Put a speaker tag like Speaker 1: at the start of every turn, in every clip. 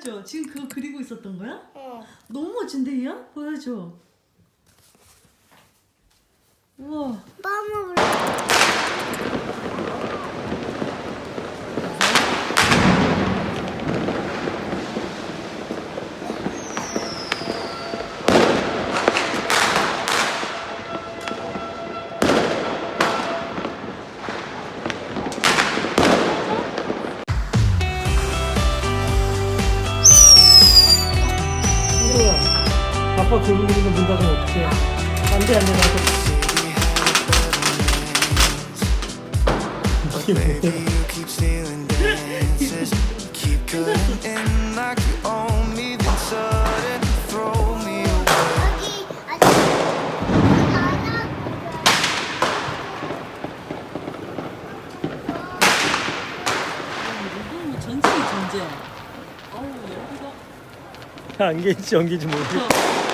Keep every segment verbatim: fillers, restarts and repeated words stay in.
Speaker 1: 보여줘. 지금 그거 그리고 있었던 거야?
Speaker 2: 어.
Speaker 1: 너무 멋진데, 이야? 보여줘. 우와.
Speaker 2: 마음을
Speaker 3: 아빠 조용히는 문 닫으면 어떡해. 안돼 안돼 나도. 이게 뭐야?
Speaker 4: keep stealing dances, keep cutting in like you own me, then sudden throw me away.
Speaker 2: 여기 아직 하나.
Speaker 1: 이거 전쟁이 전쟁. 어우, 여기가.
Speaker 3: 안개인지 연기인지 모르겠어.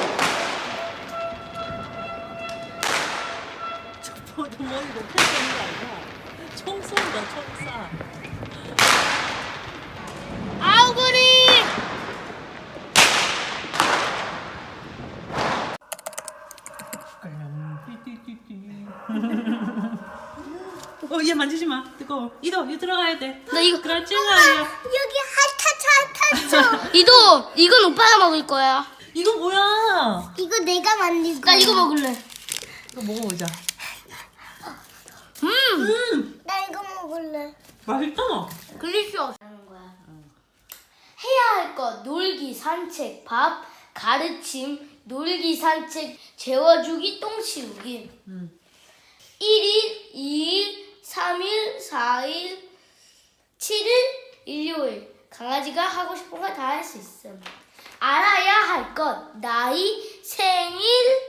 Speaker 1: 저 머리 높게 쓰는 거 아니야? 총 쏜다, 총 쏴.
Speaker 2: 아우그리.
Speaker 1: 어, 얘 만지지 마. 뜨거워. 이도, 이 들어가야 돼.
Speaker 2: 나 이거
Speaker 1: 그렇지, 아이야.
Speaker 2: 여기 핫타차 핫타차. 이도 이건 오빠가 먹을 거야.
Speaker 1: 이거 뭐야?
Speaker 2: 이거 내가 만든 거야. 나 이거 먹을래.
Speaker 1: 이거 먹어보자.
Speaker 2: 음.
Speaker 1: 음,
Speaker 2: 나 이거 먹을래.
Speaker 1: 맛있다.
Speaker 2: 글리쇼 하는 거야. 해야 할 것 놀기, 산책, 밥, 가르침, 놀기, 산책, 재워주기, 똥 치우기.
Speaker 1: 음.
Speaker 2: 일 일, 이 일, 삼 일, 사 일, 칠 일, 일요일. 강아지가 하고 싶은 거 다 할 수 있어. 알아야 할 것, 나이, 생일,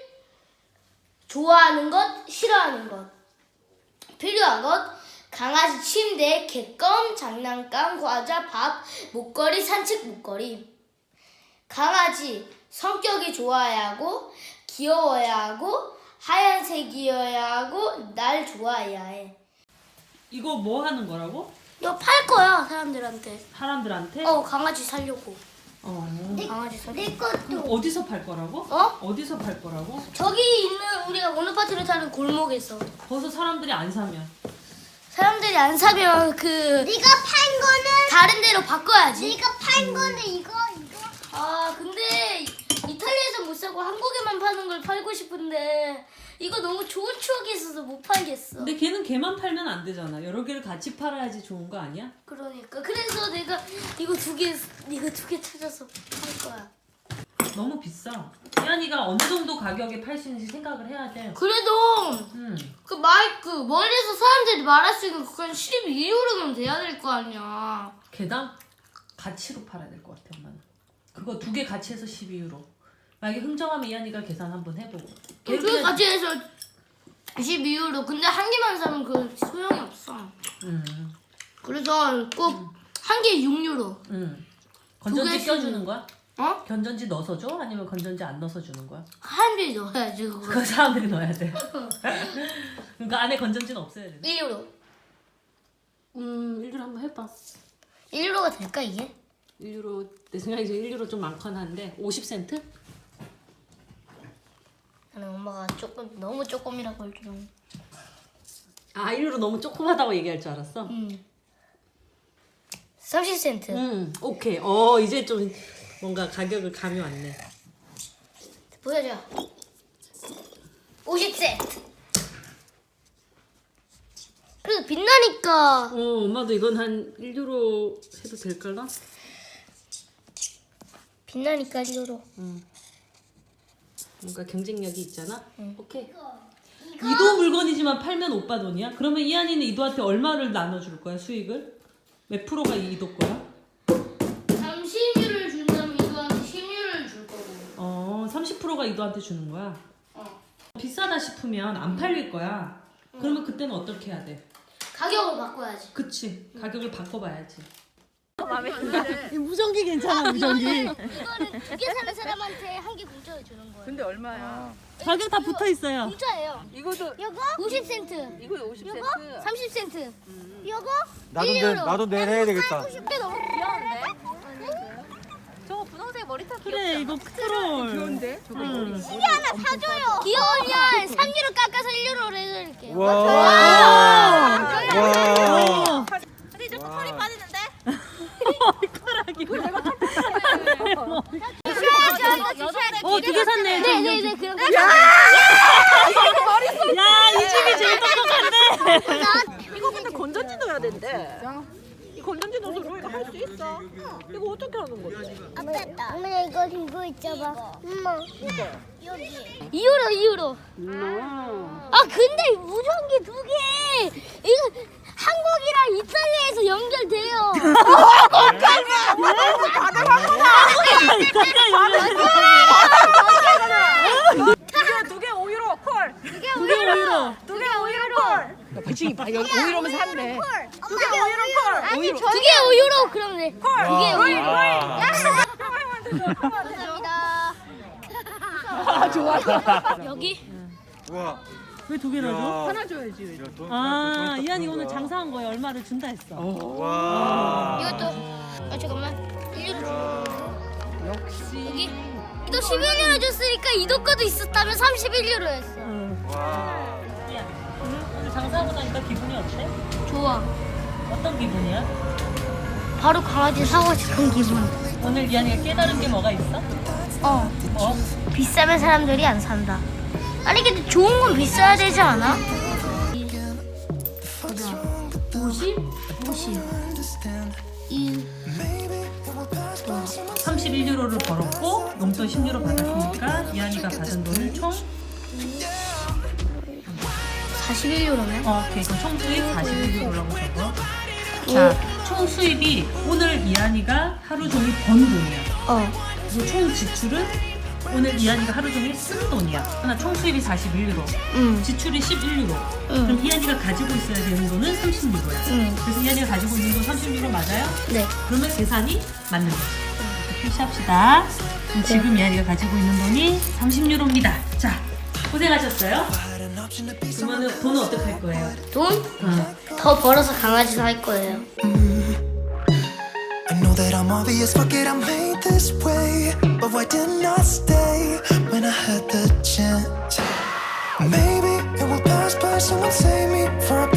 Speaker 2: 좋아하는 것, 싫어하는 것. 필요한 것, 강아지 침대, 객검, 장난감, 과자, 밥, 목걸이, 산책 목걸이. 강아지 성격이 좋아야 하고, 귀여워야 하고, 하얀색이어야 하고, 날 좋아해야 해.
Speaker 1: 이거 뭐 하는 거라고?
Speaker 2: 이거 팔 거야, 사람들한테.
Speaker 1: 사람들한테?
Speaker 2: 어, 강아지 살려고.
Speaker 1: 어.
Speaker 2: 강아지 살려고. 내 것도.
Speaker 1: 어디서 팔 거라고?
Speaker 2: 어?
Speaker 1: 어디서 팔 거라고?
Speaker 2: 저기 있는 우리가 오늘 파티를 타는 골목에서.
Speaker 1: 거기서 사람들이 안 사면.
Speaker 2: 사람들이 안 사면 그
Speaker 5: 네가 판 거는
Speaker 2: 다른 데로 바꿔야지.
Speaker 5: 네가 판 거는 이거 이거
Speaker 2: 아 근데 이탈리아에서 못 사고 한국에만 파는 걸 팔고 싶은데 이거 너무 좋은 추억이 있어서 못 팔겠어.
Speaker 1: 근데 걔는 걔만 팔면 안 되잖아. 여러 개를 같이 팔아야지 좋은 거 아니야?
Speaker 2: 그러니까 그래서 내가 이거 두 개 이거 두 개 찾아서 팔 거야.
Speaker 1: 너무 비싸. 혜연이가 어느 정도 가격에 팔 수 있는지 생각을 해야 돼.
Speaker 2: 그래도
Speaker 1: 음.
Speaker 2: 그 마이크 멀리서 사람들이 말할 수 있는 그건 십이 유로는 돼야 될 거 아니야.
Speaker 1: 개당 가치로 팔아야 될 것 같아, 엄마는. 그거 두 개 같이 해서 십이 유로. 만약에 흥정하면 이한이가 계산 한번 해보고.
Speaker 2: 그
Speaker 1: 걔는-
Speaker 2: 같이 해서 십이 유로. 근데 한 개만 사면 그 소용이 없어.
Speaker 1: 음.
Speaker 2: 그래서 꼭 한 개 육 유로.
Speaker 1: 음.
Speaker 2: 두
Speaker 1: 건전지
Speaker 2: 개씩-
Speaker 1: 껴주는 거야?
Speaker 2: 어?
Speaker 1: 건전지 넣어서 줘? 아니면 건전지 안 넣어서 주는 거야?
Speaker 2: 한 개 넣어야지 그거.
Speaker 1: 그거 사람들이 넣어야 돼. 그러니까 안에 건전지는 없어야 돼.
Speaker 2: 일 유로.
Speaker 6: 음, 일 유로 한번 해봐.
Speaker 2: 일 유로가 될까 이게?
Speaker 6: 일 유로, 내 생각에 이제 일 유로 좀 많긴 한데, 오십 센트?
Speaker 2: 나는 엄마가 조금 너무 조금이라고 할 줄 알았는데.
Speaker 6: 아, 일 유로 너무 조그마다고 얘기할 줄 알았어?
Speaker 2: 음. 삼십 센트.
Speaker 6: 음, 오케이. 어, 이제 좀 뭔가 가격을 감이 왔네.
Speaker 2: 보여줘. 오십 센트. 그래도 빛나니까.
Speaker 6: 어, 엄마도 이건 한 일 유로 해도 될까나?
Speaker 2: 빛나니까 일 유로.
Speaker 6: 뭔가 경쟁력이 있잖아? 오케이.
Speaker 1: 이도 물건이지만 팔면 오빠 돈이야? 그러면 이한이는 이도한테 얼마를 나눠줄 거야, 수익을? 몇 프로가 이도 거야?
Speaker 2: 삼십 유로를 준다면 이거한테 십 유로를 줄 거고.
Speaker 1: 어, 삼십 프로가 이도한테 주는 거야?
Speaker 2: 어.
Speaker 1: 비싸다 싶으면 안 팔릴 거야. 그러면 그때는 어떻게 해야 돼?
Speaker 2: 가격을 바꿔야지.
Speaker 1: 그치, 가격을 바꿔봐야지.
Speaker 6: 무전기 괜찮아, 무전기.
Speaker 2: 이거는 두 개 사는 사람한테 한 개 공짜로 주는 거예요.
Speaker 7: 근데 얼마야?
Speaker 1: 가격 다 붙어 있어요.
Speaker 2: 공짜예요.
Speaker 7: 이거도
Speaker 2: 이거 오십 센트.
Speaker 7: 이거 오십 센트.
Speaker 2: 삼십 센트. 이거
Speaker 3: 나도
Speaker 2: 일
Speaker 3: 내
Speaker 2: 유로.
Speaker 3: 나도 내일 해야 되겠다.
Speaker 2: 꽤 너무 귀여운데?
Speaker 1: 그래 이거 트롤. 귀여운데? 응.
Speaker 2: 귀여우면 삼 유로 깎아서 일 유로로 해드릴게요.
Speaker 7: 와. 와.
Speaker 1: 어, 두 개 샀네.
Speaker 2: 네네네 그럼.
Speaker 1: 야, 이 집이 제일 똑똑한데.
Speaker 6: 이거 근데 건전지 넣어야 된대. 이 건전지 넣어서 로이가 할 수 있어. 이거 어떻게 하는 거지?
Speaker 5: 엄마 이거 들고 있어봐. 엄마. 여기.
Speaker 2: 이 유로 이 유로. 아 근데 무전기 두 개. 이거 한국이랑 이탈리아에서 연결돼요.
Speaker 6: 두개 오 유로 콜.
Speaker 1: 두개 오 유로.
Speaker 6: 두 개 오 유로 콜. 그치, 오 유로면 샀네. 두 개 오 유로 콜.
Speaker 5: 아니 저
Speaker 2: 두 개 오 유로 그럼 네. 두 개 오 유로.
Speaker 5: 감사합니다.
Speaker 6: 아, 좋아.
Speaker 2: 여기
Speaker 7: 와.
Speaker 1: 왜 두 개나 줘?
Speaker 7: 하나 줘야지.
Speaker 1: 아, 이한이 오늘 장사한 거에 얼마를 준다 했어.
Speaker 7: 와.
Speaker 2: 이것도 아 잠깐만 일 유로 줘. 역시 여기 이도 십일 유로 줬으니까 이도 거도 있었다면 삼십일 유로였어.
Speaker 1: 응.
Speaker 7: 와.
Speaker 1: 이한, 오늘, 오늘 장사하고 나니까 기분이 어때?
Speaker 2: 좋아.
Speaker 1: 어떤 기분이야?
Speaker 2: 바로 강아지 사고 싶은 기분.
Speaker 1: 오늘 이한이가 깨달은 게 뭐가 있어?
Speaker 2: 어.
Speaker 1: 뭐?
Speaker 2: 비싸면 사람들이 안 산다. 아니 근데 좋은 건 비싸야 되지 않아? 오십, 오십, 일.
Speaker 1: 삼십일 유로를 벌었고 용돈 십 유로 받았으니까 이한이가 받은 돈은 총
Speaker 2: 사십일 유로네.
Speaker 1: 어, 오케이. 그럼 총 수입 사십일 유로라고 적어. 자, 총 수입이 오늘 이한이가 하루 종일 번 돈이야.
Speaker 2: 어.
Speaker 1: 그리고 총 지출은 오늘 이한이가 하루 종일 쓴 돈이야. 하나 총 수입이 사십일 유로,
Speaker 2: 응.
Speaker 1: 지출이 십일 유로.
Speaker 2: 응.
Speaker 1: 그럼 이한이가 가지고 있어야 되는 돈은 삼십 유로야.
Speaker 2: 응.
Speaker 1: 그래서 이한이가 가지고 있는 돈 삼십 유로 맞아요?
Speaker 2: 네.
Speaker 1: 그러면 계산이 맞는 거지. 이렇게 표시합시다. 그럼 지금 이한이가 가지고 있는 돈이 삼십 유로입니다. 자, 고생하셨어요. 그러면 돈은 어떻게 할 거예요?
Speaker 2: 돈?
Speaker 1: 어.
Speaker 2: 더 벌어서 강아지 살 거예요.
Speaker 4: I know that I'm obvious, fuck it, I'm made this way. But why didn't I stay when I had the chance? Maybe it will pass by, someone save me for a